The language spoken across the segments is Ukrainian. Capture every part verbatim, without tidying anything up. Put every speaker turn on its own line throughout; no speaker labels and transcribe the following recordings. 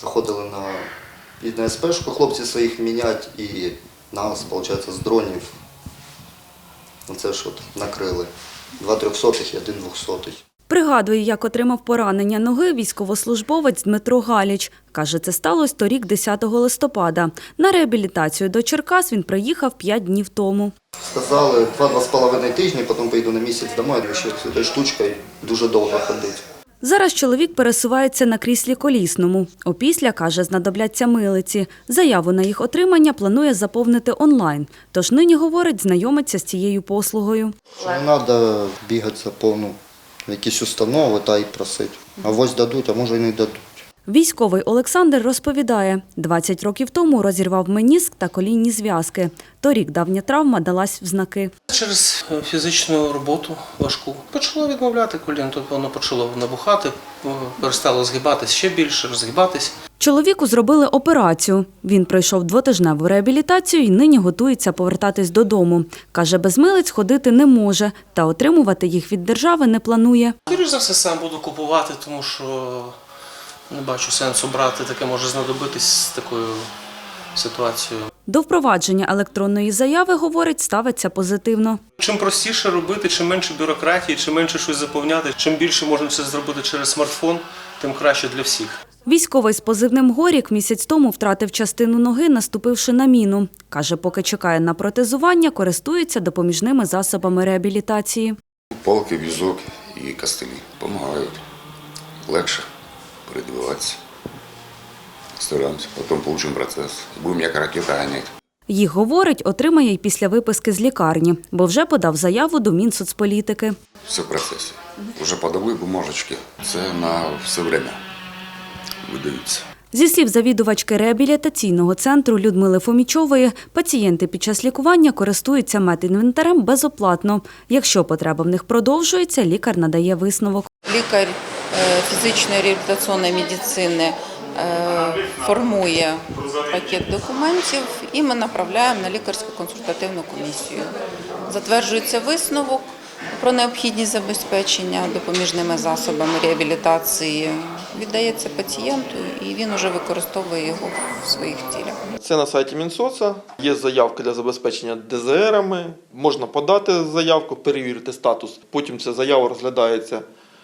Заходили на, на ес-пешку, хлопці своїх мінять і нас, виходить, з дронів. Це ж от накрили. Два трьохсотих і один двохсотий.
Пригадує, як отримав поранення ноги військовослужбовець Дмитро Галіч. Каже, це сталося торік десятого листопада. На реабілітацію до Черкас він приїхав п'ять днів тому.
Сказали, два-два з половиною тижні, потім поїду на місяць домой, ще цією штучкою дуже довго ходити.
Зараз чоловік пересувається на кріслі колісному. Опісля, каже, знадобляться милиці. Заяву на їх отримання планує заповнити онлайн. Тож нині, говорить, знайомиться з цією послугою.
Не треба бігати за повну в якісь установи та й просити. А ось дадуть, а може і не дадуть.
Військовий Олександр розповідає, двадцять років тому розірвав меніск та колінні зв'язки. Торік давня травма далась в знаки.
Через фізичну роботу важку почало відмовляти коліно, тобто воно почало набухати, перестало згибатись ще більше, розгибатись.
Чоловіку зробили операцію. Він пройшов двотижневу реабілітацію і нині готується повертатись додому. Каже, без милиць ходити не може та отримувати їх від держави не планує.
Скоріше за все, сам буду купувати, тому що не бачу сенсу брати, таке може знадобитись з такою ситуацією.
До впровадження електронної заяви, говорить, ставиться позитивно.
Чим простіше робити, чим менше бюрократії, чим менше щось заповняти, чим більше можна все зробити через смартфон, тим краще для всіх.
Військовий з позивним «Горік» місяць тому втратив частину ноги, наступивши на міну. Каже, поки чекає на протезування, користується допоміжними засобами реабілітації.
Палки, візок і костилі допомагають. Легше передвигатися. Стараємося, потім отримаємо процес. Будемо як ракета ганяти.
Їх, говорить, отримає й після виписки з лікарні, бо вже подав заяву до Мінсоцполітики.
Все в процесі. Вже подали бумажечки. Це на все время видаються.
Зі слів завідувачки реабілітаційного центру Людмили Фомічової, пацієнти під час лікування користуються медінвентарем безоплатно. Якщо потреба в них продовжується, лікар надає висновок.
Лікар фізичної реабілітаційної медицини формує пакет документів і ми направляємо на лікарську консультативну комісію. Затверджується висновок про необхідність забезпечення допоміжними засобами реабілітації, віддається пацієнту і він вже використовує його в своїх цілях.
Це на сайті Мінсоца, є заявка для забезпечення де зет ерами, можна подати заявку, перевірити статус, потім ця заява розглядається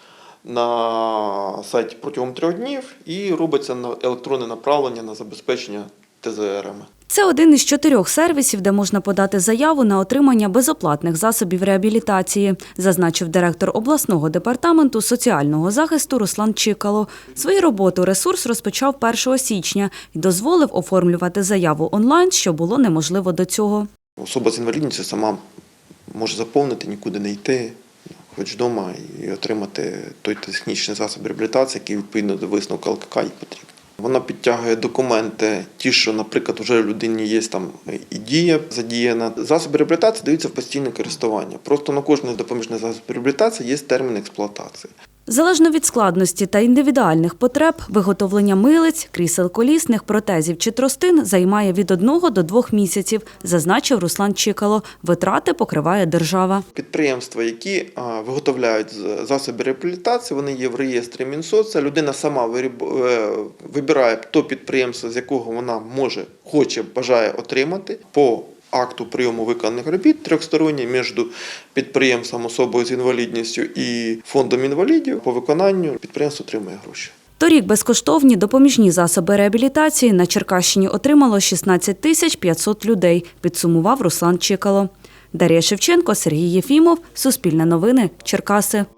на сайті протягом трьох днів і робиться електронне направлення на забезпечення де зет ерами.
Це один із чотирьох сервісів, де можна подати заяву на отримання безоплатних засобів реабілітації, зазначив директор обласного департаменту соціального захисту Руслан Чикало. Свою роботу ресурс розпочав першого січня і дозволив оформлювати заяву онлайн, що було неможливо до цього.
Особа з інвалідністю сама може заповнити, нікуди не йти, хоч вдома, і отримати той технічний засіб реабілітації, який відповідно до висновку ел ка ка їй потрібен. Вона підтягує документи, ті, що, наприклад, вже в людині є там і дія задіяна. Засоби реабілітації даються в постійне користування. Просто на кожний допоміжний засіб реабілітації є термін експлуатації.
Залежно від складності та індивідуальних потреб, виготовлення милиць, крісел колісних, протезів чи тростин займає від одного до двох місяців, зазначив Руслан Чикало. Витрати покриває держава.
Підприємства, які виготовляють засоби реабілітації, вони є в реєстрі Мінсоца. Людина сама вибирає то підприємство, з якого вона може, хоче, бажає отримати по акту прийому виконаних робіт трьохсторонній між підприємством, особою з інвалідністю і фондом інвалідів. По виконанню підприємство отримує гроші.
Торік безкоштовні допоміжні засоби реабілітації на Черкащині отримало шістнадцять тисяч п'ятсот людей, підсумував Руслан Чикало. Дар'я Шевченко, Сергій Єфімов, Суспільне новини, Черкаси.